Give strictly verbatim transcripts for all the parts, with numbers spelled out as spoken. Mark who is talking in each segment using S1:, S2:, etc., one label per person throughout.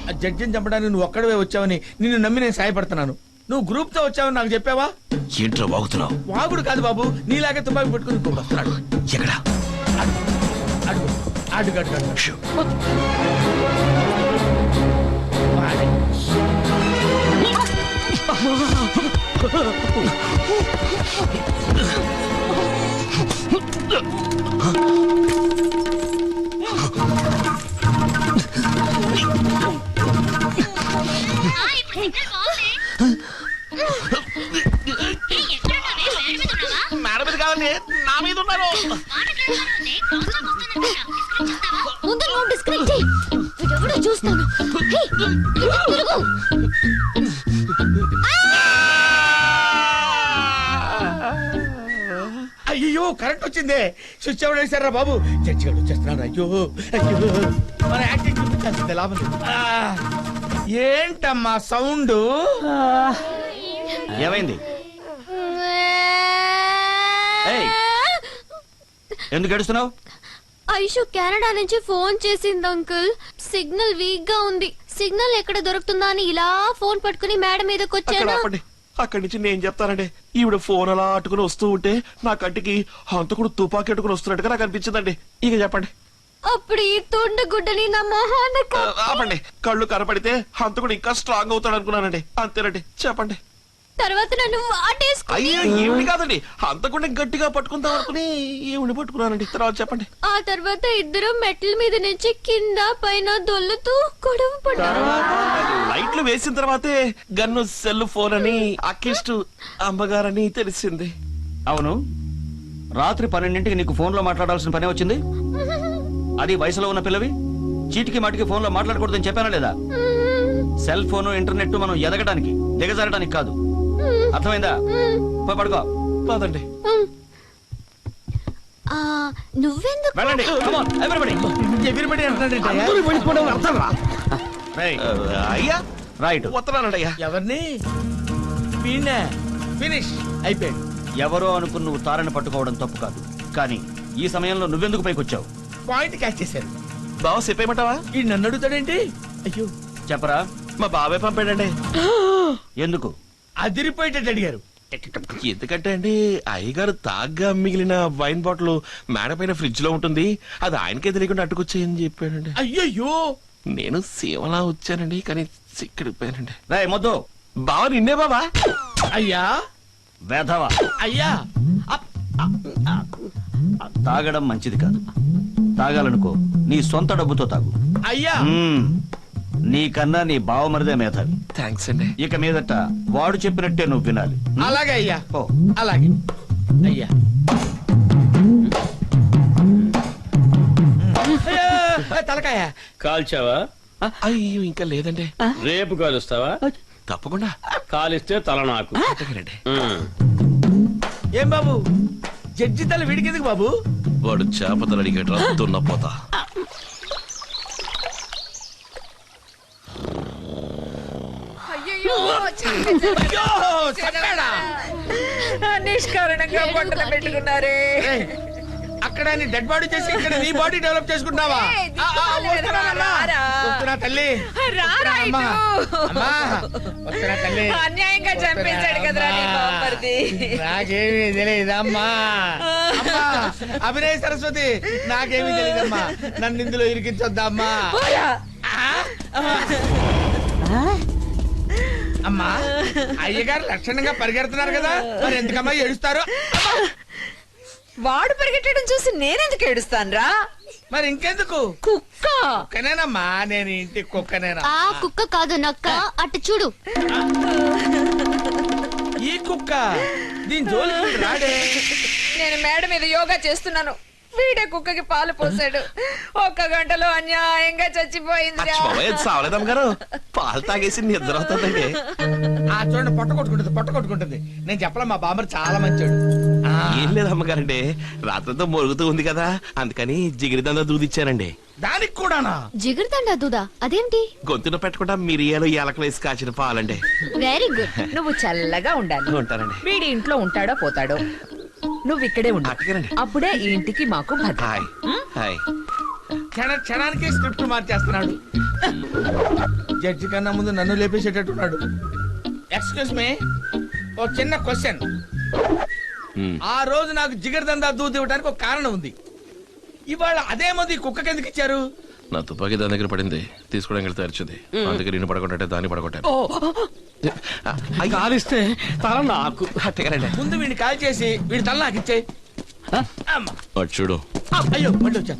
S1: జడ్జిని చంపడానికి నువ్వు ఒక్కడవే వచ్చావని నిన్ను నమ్మి నేను సాయపడుతున్నాను. నువ్వు గ్రూప్ తో వచ్చావని నాకు చెప్పావా?
S2: ఏంట్రా వాగుతున్నావు?
S1: వాగుడు కాదు బాబు, నీలాగే తుపాకి పెట్టుకుని ఇంకొకడు వస్తున్నాడు.
S2: ఎక్కడా?
S1: అడుగు అడుగు అడుగు అడుగు వాడే.
S2: మేడం మీద కాదండి, నా మీద ఉన్నారు.
S3: ముందు నువ్వు డిస్కనెక్ట్ చెయ్యి. వీడెవడో చూస్తాను. హే, తిరుగు.
S1: అయ్యో కరెంట్ వచ్చిందే. స్విచ్ ఎవరు వేశారా బాబు? జడ్జి గారు వచ్చేస్తున్నాడు. అయ్యో అయ్యో మన యాక్టింగ్ చూపించాల్సిందే, లాభం లేదు. ఆ, ఏంటమ్మా సౌండ్?
S2: ఏమైంది? ఎందుకు ఏడుస్తున్నావు?
S3: ఐషు కెనడా నుంచి ఫోన్ చేసింది అంకుల్. సిగ్నల్ వీక్ గా ఉంది. సిగ్నల్ ఎక్కడ దొరుకుతుందా అని ఇలా ఫోన్ పట్టుకుని మేడం మీదకి వచ్చాను.
S2: అక్కడి నుంచి నేను చెప్తానండి. ఈవిడ ఫోన్ అలా అట్టుకుని వస్తూ ఉంటే నా కంటికి హంతకుడు తుపాకీ అట్టుకుని వస్తున్నట్టుగా నాకు అనిపించిందండి. ఇక చెప్పండి.
S3: అప్పుడు ఈ తుండు గుడ్డని నా మొహాన
S2: ఆపండి. కళ్ళు కనపడితే హంతకుడు ఇంకా స్ట్రాంగ్ అవుతాడు అనుకున్నానండి. అంతేనండి, చెప్పండి.
S3: తర్వాత నన్ను వాటేసుకుని.
S2: అయ్యో ఏమిటి కాదండి, హంతకుడిని గట్టిగా పట్టుకుందాం అనుకుని ఈవిడ పట్టుకున్నానండి. తర్వాత చెప్పండి.
S3: ఆ తర్వాత ఇద్దరు మెట్ల మీద నుంచి కింద పైన దొల్లుతూ గొడవ పడ్డారు.
S2: లైట్లు వేసిన తర్వాతే గన్ను సెల్ ఫోన్ అని అక్కిస్ట్ అమ్మగారని తెలిసింది.
S4: అవును, రాత్రి పన్నెండింటికి నీకు ఫోన్ లో మాట్లాడాల్సిన పని వచ్చింది. అది వయసులో ఉన్న పిల్లవి చీటికి మాటికి ఫోన్ లో మాట్లాడకూడదని చెప్పానా లేదా? సెల్ ఫోన్ ఇంటర్నెట్ మనం ఎదగడానికి దిగజారడానికి కాదు. అర్థమైందా? పోయి పడుకో.
S2: కాదండి,
S3: నువ్వెందుకు
S4: వెళ్ళండి. Come on, everybody.
S1: ఎగిరిపడి అంటున్నాడంటే
S2: అయ్యా
S4: రైట్.
S2: వస్తున్నానండి అయ్యా.
S1: ఎవరిని? వీణే. ఫినిష్ అయిపోయాడు.
S4: ఎవరో అనుకుని నువ్వు తారని పట్టుకోవడం తప్పు కాదు, కానీ ఈ సమయంలో నువ్వెందుకు పైకి వచ్చావు?
S1: పాయింట్ క్యాచ్ చేశారు.
S2: బావ చెప్పేయమంటావా?
S1: ఈ నన్ను అడుగుతాడేంటి? అయ్యో
S4: చెప్పరా.
S2: మా బాబాయ్ పంపాడండి.
S4: ఎందుకు?
S1: అదిరిపోయేటట్టు అడిగారు.
S2: ఎందుకంటే అండి, అయ్యగారు తాగ్గా మిగిలిన వైన్ బాటిల్ మేడ పైన ఫ్రిడ్జ్ లో ఉంటుంది, అది ఆయనకే తెలియకుండా అట్టుకొచ్చేయని చెప్పాడండి.
S1: అయ్యయ్యో,
S2: నేను సేవలా వచ్చానండి, కానీ సిక్కడిపోయానండి.
S4: రాయ్ మొద్దు.
S2: బావ నిన్నే బాబా.
S1: అయ్యా
S4: వేధవా.
S1: అయ్యా
S4: తాగడం మంచిది కాదు. తాగాలనుకో నీ సొంత డబ్బుతో తాగు.
S1: అయ్యా
S4: మ్మ్. నీకన్నా నీ బావమరిదే మేధావి.
S2: థ్యాంక్స్ అండి.
S4: ఇక మీదట వాడు చెప్పినట్టే నువ్వు వినాలి.
S1: అలాగే అయ్యా.
S4: ఓ
S1: అలాగే అయ్యా. తలకాయ
S5: కాల్చావా?
S2: అయ్యో ఇంకా లేదండి.
S5: రేపు కాలుస్తావా?
S2: తప్పకుండా.
S5: కాలిస్తే తల నాకు.
S1: ఏం బాబు, జడ్జి తల వీడికెందుకు బాబు?
S2: వాడు చేపతలు అడిగేట్రా దున్నపోతా.
S6: నిష్కారణంగా బట్టలు పెట్టుకున్నారే.
S1: అక్కడ నీ డెడ్ బాడీ చేసి ఇక్కడ నీ బాడీ డెవలప్ చేసుకుంటున్నావా? తల్లి తల్లి
S6: అన్యాయంగా చంపేశాడు కదరా నీ బామ్మర్ది.
S1: నాకేమీ తెలియదమ్మా. అభినయ సరస్వతి, నాకేమీ తెలియదమ్మా. నన్ను ఇందులో ఇరికించొద్దమ్మా. అమ్మా, అయ్యగారు లక్షణంగా పరిగెడుతున్నారు కదా, మరి ఎందుకమ్మా ఏడుస్తారు?
S6: వాడు పరిగెట్టడం చూసి నేనెందుకు ఏడుస్తానురా?
S1: మరి ఇంకెందుకు?
S6: కుక్క
S1: కుక్కనేనమ్మా, నేను ఇంటి కుక్కనేనా?
S3: ఆ కుక్క కాదు నక్క, అటు చూడు.
S1: ఈ కుక్క దీని జోలికి రాడే.
S6: నేను మేడ మీద యోగా చేస్తున్నాను, వీడే కుక్కకి పాలు పోసాడు. ఒక్క గంటలో అన్యాయంగా చచ్చిపోయింది.
S2: సావలేదమ్మ గారు, పాలు తాగేసి నిద్ర అవుతుందండి.
S1: ఆ చూడండి, పొట్ట కొట్టుకుంటుంది, పొట్ట కొట్టుకుంటుంది. నేను చెప్పలే, మా బామ్మర్ చాలా మంచోడు.
S2: ఏం లేదు అమ్మగారండి, రాత్రంతా మొరుగుతూ ఉంది కదా, అందుకని జిగిరిదందా దూదిచ్చానండి.
S1: దానికి కూడానా?
S3: జిగురుతండా దూదా? అదేంటి?
S2: గొంతున పెట్టకుండా మిరియాలు ఏలకలు వేసి కాచిన పాలండి.
S3: Very good.
S6: నువ్వు చల్లగా ఉండాలి.
S2: ఉంటానండి.
S6: వీడి ఇంట్లో ఉంటాడో పోతాడో, నువ్వు ఇక్కడే ఉండు. అప్పుడే ఈ ఇంటికి మాకు భద్రత.
S2: Hi hi.
S1: క్షణ క్షణానికి స్క్రిప్ట్ మార్చేస్తున్నాడు. జడ్జి కన్నా ముందు నన్ను లేపేసేటట్టున్నాడు. ఎక్స్క్యూజ్ మీ, ఒక చిన్న క్వశ్చన్.
S2: హ్మ్.
S1: ఆ రోజు నాకు జిగర్ దందా దూది ఇవ్వడానికి ఒక కారణం ఉంది. ఇవాళ అదే మంది కుక్కకి ఎందుకు ఇచ్చారు?
S2: నా తుపాకీ దాని దగ్గర పడింది, తీసుకోవడానికి వెళ్తే అరిచింది. అందుకే నేను పడగొట్టే దాన్ని పడగొట్టాను.
S5: కాలిస్తే తల నాకు.
S1: ముందు వీడిని కాల్ చేసి వీడి తల నాకు ఇచ్చే.
S2: అటు చూడు.
S1: అయ్యో మళ్ళీ వచ్చాను.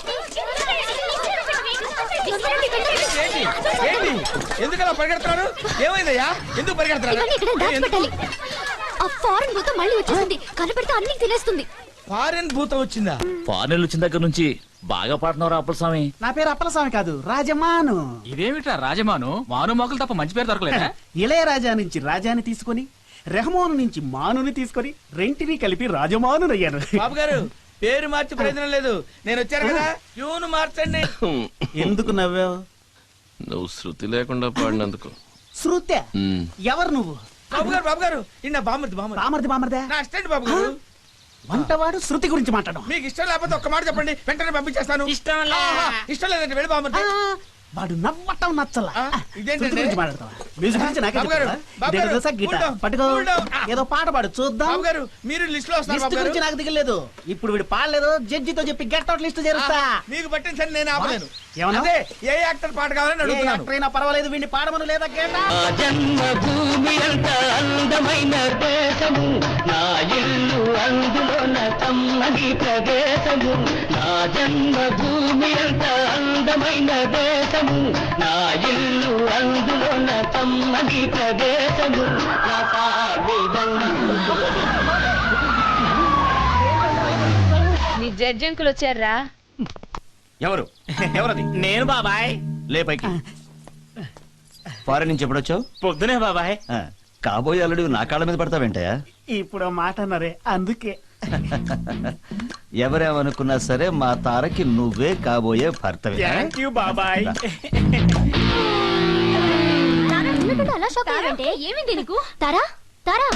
S1: ఏంటి ఏంటి ఎందుకు అలా పరిగెడుతున్నారు? ఏమైందయ్యా? ఎందుకు పరిగెడుతున్నారు?
S3: ఇవన్నీ ఇక్కడ దాచిపెట్టాలి. ఆ ఫారెన్ భూతం మళ్ళీ వచ్చేసింది. కనపెడితే అన్ని తినేస్తుంది.
S1: ఫారెన్ భూతం వచ్చిందా?
S7: ఫారెన్ వచ్చిన దగ్గర నుంచి బాగా పాడుతున్నారు అప్పలస్వామి.
S8: నా పేరు అప్పలస్వామి కాదు, రాజమాను.
S7: ఇదేమిట్రా రాజమాను? మాను మొక్కలు తప్ప మంచి పేరు దొరకలేదా?
S8: ఇళయరాజా నుంచి రాజాని తీసుకొని, రెహమాను నుంచి మానుని తీసుకొని రెంటిని కలిపి రాజమాను అయ్యాను.
S1: బాబు గారు పేరు మార్చి ప్రయోజనం లేదు. నేను వచ్చాను కదా, ట్యూన్ మార్చండి.
S8: ఎందుకు నవ్వావు?
S2: నువ్వు శృతి లేకుండా పాడినందుకు.
S8: శృత్య?
S2: హ్మ్.
S8: ఎవరు నువ్వు?
S1: బాబు గారు బాబు గారు ఇన్న బామర్ది బామర్ది
S8: బామర్ది బామర్దే?
S1: నా అసిస్టెంట్ బాబు గారు.
S8: వంటవాడు శృతి గురించి మాట్లాడడం.
S1: మీకు ఇష్టం లేకపోతే ఒక్క మాట చెప్పండి, వెంటనే పంపించేస్తాను. ఇష్టం ఇష్టం లేదంటే వెళ్ళి బామర్ది.
S8: వాడు నవ్వటం నచ్చలా.
S1: ఆ, ఇదేంటండి?
S8: శృతి గురించి మాట్లాడతావా? మ్యూజిక్ గురించి నాకే
S1: బాబు గారు,
S8: చెప్తావా?
S1: బాబు
S8: ఇదేదో
S1: గారు,
S8: తెలుసా? గిటార్
S1: cool down,
S8: పట్టుకో.
S1: cool down. ఆ.
S8: ఏదో పాట పాడు చూద్దాం.
S1: బాబు గారు మీరు లిస్ట్ లో వస్తారు.
S8: లిస్ట్
S1: బాబు గారు
S8: గురించి నాకు దిగలేదు. ఇప్పుడు వీడు పాడలేదు, జడ్జితో చెప్పి గెట్ అవుట్ లిస్ట్ చేరుస్తా.
S1: మీకు పట్టిన సరే నేను ఆపలేను.
S8: ఏమన్నా?
S1: అదే ఏ యాక్టర్ పాట కావాలని
S8: ఏ
S1: అడుగుతున్నాను.
S8: యాక్టర్ అయినా పర్వాలేదు, వీడిని పాడమను లేదా గెట్
S9: జన్మభూమి అంత అందమైన దేశము, నా ఇల్లు అందులోన కమ్మని ప్రదేశము. నా జన్మభూమి అంత అందమైన దేశము, నా ఇల్లు అందులోన కమ్మని ప్రదేశము. నా సావిదండు.
S6: నీ జడ్జి అంకుల్ వచ్చారా?
S4: ఎవరు ఎవరది?
S7: నేను బాబాయ్.
S4: లే పైకి. ఫారెన్ నుంచి ఎప్పుడొచ్చావు?
S7: పొద్దునే బాబాయ్.
S4: ఆ, కాబోయే అల్లుడు నా కాళ్ళ మీద పడతావేంటయా?
S8: ఇప్పుడు ఆ మాట అన్నారే అందుకే.
S4: ఎవరేమనుకున్నా సరే మా తారకి నువ్వే కాబోయే భర్తవే.
S8: థ్యాంక్ యూ బాబాయ్.
S3: ఉన్నట్టుండి అలా షాక్ అయ్యావంటే ఏమైంది నీకు? తారా తారా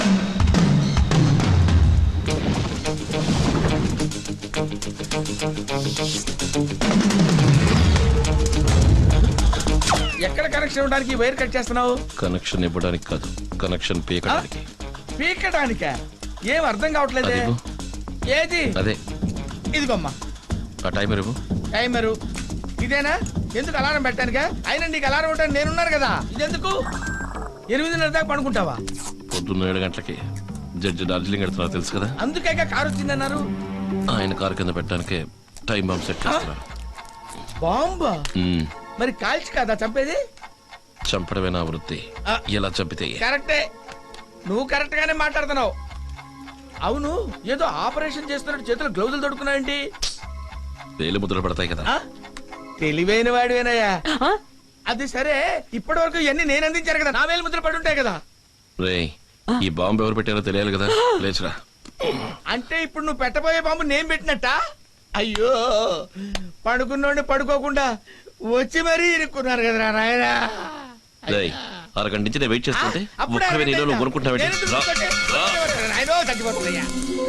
S1: ఎక్కడ కనెక్షన్ ఇవ్వడానికి ఈ వైర్ కట్ చేస్తున్నావు?
S2: కనెక్షన్ ఇవ్వడానికి కాదు, కనెక్షన్ పీకడానికి.
S1: పీకటానికా? ఏం అర్థం కావట్లేదే.
S2: అదిగో.
S1: ఏది?
S2: అదే
S1: ఇదిగోమ్మా
S2: ఆ టైమర్ ఇవ్వు.
S1: టైమరు. ఇదేనా? ఎందుకు అలారం పెట్టానుగా? అయినా నీకు అలారం ఉంటాను నేనున్నాను కదా. ఇదెందుకు? ఎనిమిదిన్నర దాకా పడుకుంటావా?
S2: పొద్దున్న ఏడు గంటలకి జడ్జి డార్జిలింగ్ వెళ్తున్నారు తెలుసు కదా.
S1: అందుకే కారు వచ్చిందన్నారు.
S2: ఆయన కారు కింద పెట్టడానికే టైం బాంబ్ సెట్ చేస్తున్నారు.
S1: బాంబా?
S2: హ్మ్.
S1: మరి కాల్చి కదా చంపేది?
S2: చంపడమే నా వృత్తి.
S1: ఆ.
S2: ఎలా చంపితే
S1: కరెక్టే, నువ్వు కరెక్ట్ గానే మాట్లాడుతున్నావు. అవును, ఏదో ఆపరేషన్ చేస్తున్నట్టు చేతులు గ్లౌజులు తొడుకున్నావేంటి?
S2: వేలు ముద్రలు పడతాయి కదా.
S1: ఆ? తెలివైన వాడివేనయ్యా. అది సరే, ఇప్పటి వరకు ఇవన్నీ నేను అందించాను కదా, నా వేలు ముద్రలు పడి ఉంటాయి కదా.
S2: రేయ్, ఈ బాంబు ఎవరు పెట్టారో తెలియాలి కదా. లేచురా.
S1: అంటే ఇప్పుడు నువ్వు పెట్టబోయే బాంబు నేను పెట్టినట్ట? అయ్యో, పడుకున్నోండి పడుకోకుండా వచ్చి మరీ ఇరుక్కున్నారు కదరా నాయనా.
S2: రేయ్, అరగంట నుంచి నేను వెయిట్ చేస్తుంటే
S1: అప్పుడే
S2: ఒక్కవే నీలో నువ్వు
S1: నేను
S2: కొనుక్కుంటావేంటి?
S1: ఎందుకు
S2: రా.
S1: కొట్టే-
S2: రా.
S1: నాయనో, చచ్చిపోతుందయ్యా.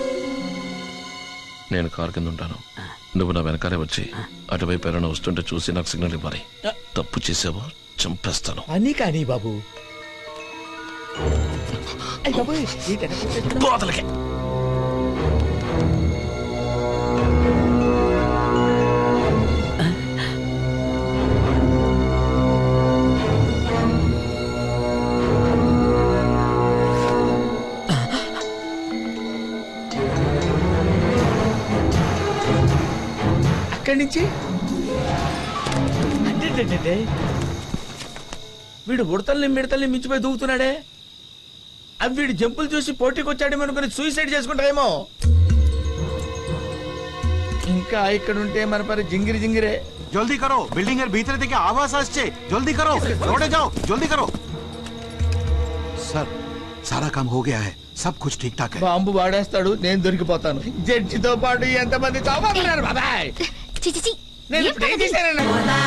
S2: నేను కారు కింద ఉంటాను, నువ్వు నా వెనకాలే వచ్చి అటువైపు ఎవరైనా వస్తుంటే చూసి నాకు సిగ్నల్ ఇవ్వాలి. తప్పు చేసావో చంపేస్తాను.
S1: అని కానీ బాబు. అయ్ బాబోయ్, ఈ టెన్షన్
S2: బోతలకే.
S1: అక్కడి నుంచి అంటే వీడు ఉడతల్ని మిడతల్ని మించిపోయి దూకుతున్నాడే. అవి వీడు జంపులు చూసి పోటీకి వచ్చాడేమో అనుకుని సూసైడ్ చేసుకుంటారేమో. ఇంకా ఇక్కడ ఉంటే మన పరి జింగిరి జింగిరే.
S10: जल्दी करो, बिल्डिंग এর ভিতরে থেকে आवाज আসছে, जल्दी करो, रोडे जाओ, जल्दी करो। सर, सारा काम हो गया है, सब कुछ ठीक ठाक है।
S1: బాంబు వాడేస్తాడు, నేను దొరికిపోతాను. జడ్జితో పాటు ఎంతమంది చావబోతున్నారు బాబాయ్.
S3: చి చి చి.
S1: నేను
S3: ఏం
S1: ఇప్పుడు ఏం
S3: పద్ధతి?
S1: చేశానన్నా?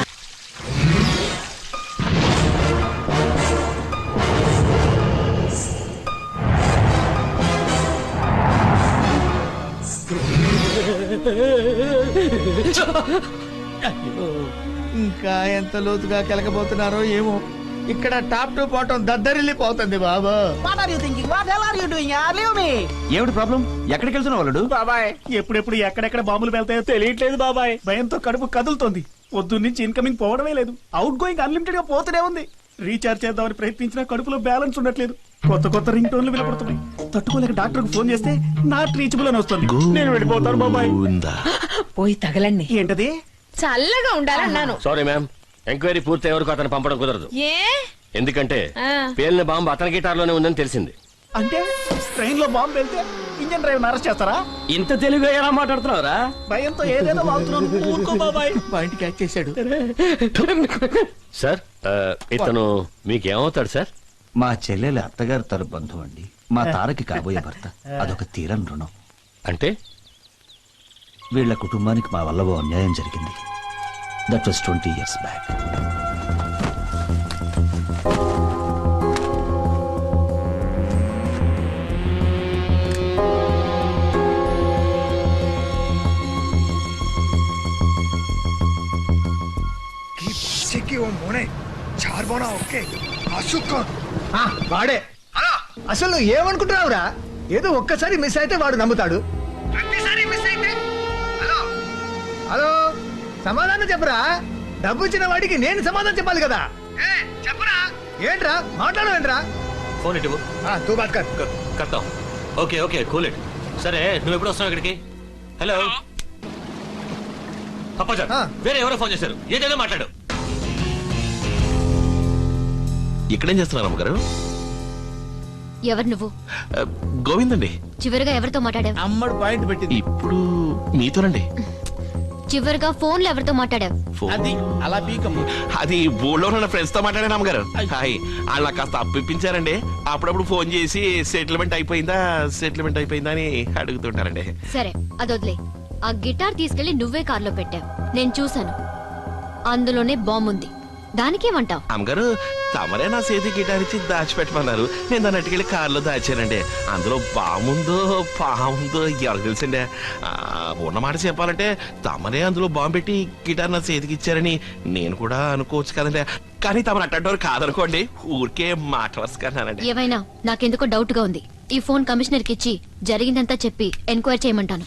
S1: అయ్యో, ఇంకా ఎంత లోతుగా కెలకబోతున్నారో ఏమో. ఇక్కడ టాప్ టు బాటం దద్దరిల్లిపోతుంది బాబు.
S8: What are you thinking what hell are you doing leave me
S4: ఏమిటి ప్రాబ్లం? ఎక్కడికి వెళ్తున్నావు వాళ్ళు?
S8: బాబాయ్ ఎప్పుడెప్పుడు ఎక్కడెక్కడ బాంబులు వెళ్తాయో తెలియట్లేదు బాబాయ్. భయంతో కడుపు కదులుతోంది. పొద్దున్న నుంచి ఇన్కమింగ్ పోవడమే లేదు, అవుట్ గోయింగ్ అన్లిమిటెడ్ గా పోతూనే ఉంది. రీఛార్జ్ చేద్దామని ప్రయత్నించినా కడుపులో బ్యాలెన్స్ ఉండట్లేదు. కొత్త కొత్త రింగ్ టోన్లు వినపడుతున్నాయి. తట్టుకోలేక డాక్టర్ కు ఫోన్ చేస్తే నాట్ రీచబుల్ అని వస్తుంది. నేను వెళ్ళిపోతాను బాబాయ్.
S2: ఉందా?
S6: పోయి తగలండి,
S8: ఏంటది?
S6: చల్లగా ఉండాలన్నాను.
S5: సారీ మ్యామ్, ఎంక్వైరీ పూర్తయ్యే వరకు అతను పంపడం కుదరదు.
S6: ఏ
S5: ఎందుకంటే
S6: ఆ.
S5: పేలిన బాంబు అతని గిటార్లోనే ఉందని తెలిసింది.
S8: అంటే ట్రైన్ లో బాంబు వెళ్తే ఇంజన్ డ్రైవర్ అరెస్ట్ చేస్తారా?
S7: ఇంత తెలుగుగా ఎలా మాట్లాడుతున్నావురా?
S8: భయంతో ఏదేదో వాగుతున్నాను. ఊరుకో బాబాయ్.
S1: పాయింట్ క్యాచ్ చేశాడు.
S5: సార్ ఆ, ఇతను మీకేమవుతాడు సార్?
S4: మా చెల్లెలు అత్తగారు తరు బంధువు అండి. మా తారకి కాబోయే భర్త. అదొక తీరని రుణం.
S5: అంటే
S4: వీళ్ళ కుటుంబానికి మా వల్ల ఓ అన్యాయం జరిగింది. That was twenty years back.
S1: వాడే అసలు నువ్వు ఏమనుకుంటున్నావురా? ఏదో ఒక్కసారి మిస్ అయితే వాడు నమ్ముతాడు. హలో, సమాధానం చెప్పరా? డబ్బు ఇచ్చిన వాడికి నేను సమాధానం చెప్పాలి కదా. చెప్పరా? ఏంట్రా మాట్లాడవేంట్రా?
S7: ఫోన్ ఇటు
S1: తూ బాత్ కర్.
S7: కడతాం. Okay okay cool it. సరే నువ్వు ఎప్పుడు వస్తున్నావు ఇక్కడికి? హలో అప్పాజాన్,
S1: ఆ.
S7: వేరే ఎవరో ఫోన్ చేశారు. ఏదైనా మాట్లాడు.
S2: ఇక్కడేం చేస్తున్నారు అమ్మగారు?
S3: ఎవరు నువ్వు?
S2: ఆ, గోవింద్ అండి.
S3: చివరిగా ఎవరితో మాట్లాడావు?
S1: అమ్మడు పాయింట్ పెట్టింది.
S2: ఇప్పుడు మీతోనండి.
S3: చివరిగా ఫోన్ లో ఎవరితో మాట్లాడావు?
S2: ఫోన్.
S1: అది అలా పీకమ్మ.
S2: అది ఊళ్ళో ఉన్న ఫ్రెండ్స్ తో మాట్లాడాను అమ్మగారు. హాయ్, వాళ్ళు నాకు కాస్త అప్పిప్పించారండి. అప్పుడప్పుడు ఫోన్ చేసి సెటిల్మెంట్ అయిపోయిందా సెటిల్మెంట్ అయిపోయిందా అని అడుగుతుంటారండి.
S3: సరే అదొద్లే. ఆ గిటార్ తీసుకెళ్లి నువ్వే కార్లో పెట్టావు, నేను చూశాను. అందులోనే బాంబు ఉంది. దానికేమంటావు?
S2: అమ్మగారు, తమరే నా చేతి గిటార్ ఇచ్చి దాచిపెట్టమన్నారు. నేను దాన్ని అట్టుకెళ్ళి కారులో దాచానండి. అందులో బాముందో పాముందో ఎవరికి తెలుసండి. ఆ, ఉన్నమాట చెప్పాలంటే తమరే అందులో బాంబు పెట్టి గిటార్ నా చేతికి ఇచ్చారని నేను కూడా అనుకోవచ్చు కదండి. కానీ తమరు అట్టంటారు కాదనుకోండి, ఊరికే మాట వరుసకన్నానండి.
S3: ఏమైనా నాకెందుకో డౌట్ గా ఉంది. ఈ ఫోన్ కమిషనర్ కి ఇచ్చి జరిగిందంతా చెప్పి ఎంక్వైరీ చేయమంటాను.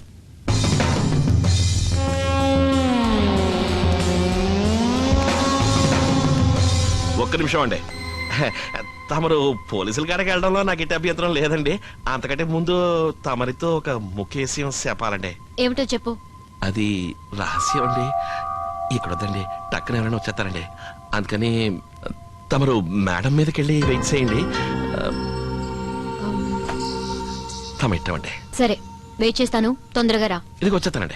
S2: ఒక్క నిమిషం అండి. తమరు పోలీసుల కాడికి వెళ్ళడంలో నాకు ఇటు అభ్యంతరం లేదండి. అంతకంటే ముందు తమరితో ఒక ముఖ్య విషయం చెప్పాలండి.
S3: ఏమిటో చెప్పు.
S2: అది రహస్యం అండి. ఇక్కడ వద్దండి, టక్కున ఎవరైనా వచ్చేస్తారండి. అందుకని తమరు మేడం మీదకి వెళ్ళి వెయిట్ చేయండి. తమ ఇట్టమండి.
S3: సరే వెయిట్ చేస్తాను, తొందరగా రా.
S2: ఇదికి వచ్చేస్తానండి.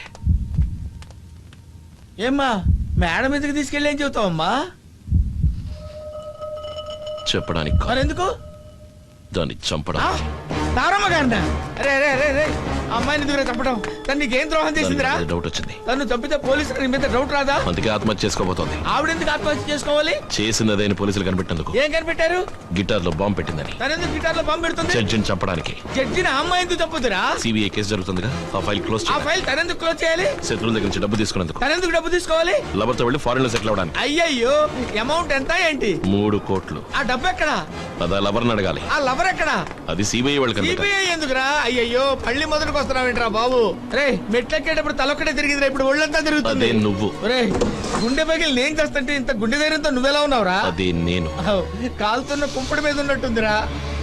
S1: ఏమ్మా మేడం ఎందుకు తీసుకెళ్ళి ఏం చెబుతావమ్మా?
S2: చెప్పడానికి కాదు,
S1: మరెందుకు?
S2: దాన్ని చంపడం.
S1: తారమ్మ గారినా? రే రే రే రే అమ్మాయిని ఎందుకు చంపడం? తను నీకేం ద్రోహం చేసిందిరా?
S2: డౌట్ వచ్చింది.
S1: తను చంపితే పోలీసులు నీ మీద డౌట్ రాదా?
S2: అందుకే ఆత్మహత్య చేసుకోబోతోంది.
S1: ఆవిడెందుకు ఆత్మహత్య చేసుకోవాలి?
S2: చేసినదైన పోలీసులు కనిపెట్టేందుకు.
S1: ఏం కనిపెట్టారు?
S2: గిటార్ లో బాంబు పెట్టిందని.
S1: తనెందుకు గిటార్ లో బాంబు పెడుతుంది?
S2: జడ్జిని చంపడానికి.
S1: జడ్జిని ఆ అమ్మాయి ఎందుకు చంపుతురా?
S2: సిబిఐ కేసు జరుగుతుందిగా, ఆ ఫైల్ క్లోజ్
S1: ఆ
S2: చేయాలి.
S1: ఫైల్ తనెందుకు క్లోజ్ చేయాలి?
S2: శత్రువుల దగ్గర నుంచి డబ్బు తీసుకున్నందుకు.
S1: తనెందుకు డబ్బు తీసుకోవాలి?
S2: లవర్ తో వెళ్ళి ఫారెన్ లో సెటిల్ అవడానికి.
S1: అయ్యయ్యో, అమౌంట్ ఎంత ఏంటి?
S2: మూడు కోట్లు.
S1: ఆ డబ్బు ఎక్కడా?
S2: అదా లవర్ని అడగాలి.
S1: ఆ లవర్ ఎక్కడా?
S2: అది సిబిఐ వాళ్ళకి అడగాలి.
S1: సిబిఐ ఎందుకురా? అయ్యయ్యో, పళ్ళి మొదలుకు వస్తున్నావేంట్రా బాబు? రే మెట్లెక్కేటప్పుడు తలొక్కడే తిరిగిందిరా, ఇప్పుడు ఒళ్ళంతా తిరుగుతుంది.
S2: అదే నువ్వు.
S1: రే గుండె పగిలి నేను చేస్తుంటే ఇంత గుండె ధైర్యంతో నువ్వెలా ఉన్నావురా?
S2: అది నేను.
S1: ఆవ్, కాలుతున్న కుంపడి మీద ఉన్నట్టుందిరా.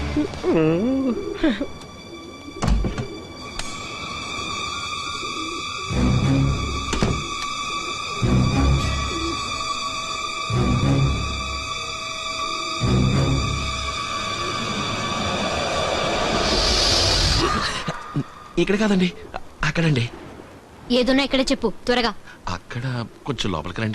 S2: ఇక్కడ కాదండి, అక్కడండి.
S3: ఏదున్నా ఇక్కడే చెప్పు త్వరగా.
S2: అక్కడ కొంచెం లోపలికి రండి.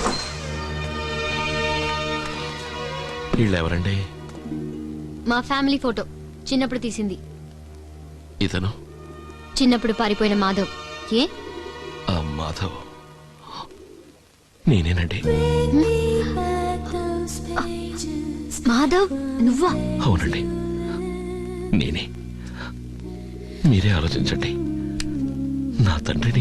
S2: వీళ్ళు ఎవరండి?
S3: మా ఫ్యామిలీ ఫోటో, చిన్నప్పుడు తీసింది.
S2: ఇతను
S3: చిన్నప్పుడు పారిపోయిన మాధవ్. ఏ
S2: ఆ మాధవ్ నేనేనండి.
S3: మాధవ్ నువ్వా?
S2: అవునండి, నేనే. మీరే ఆలోచించండి. నా తండ్రిని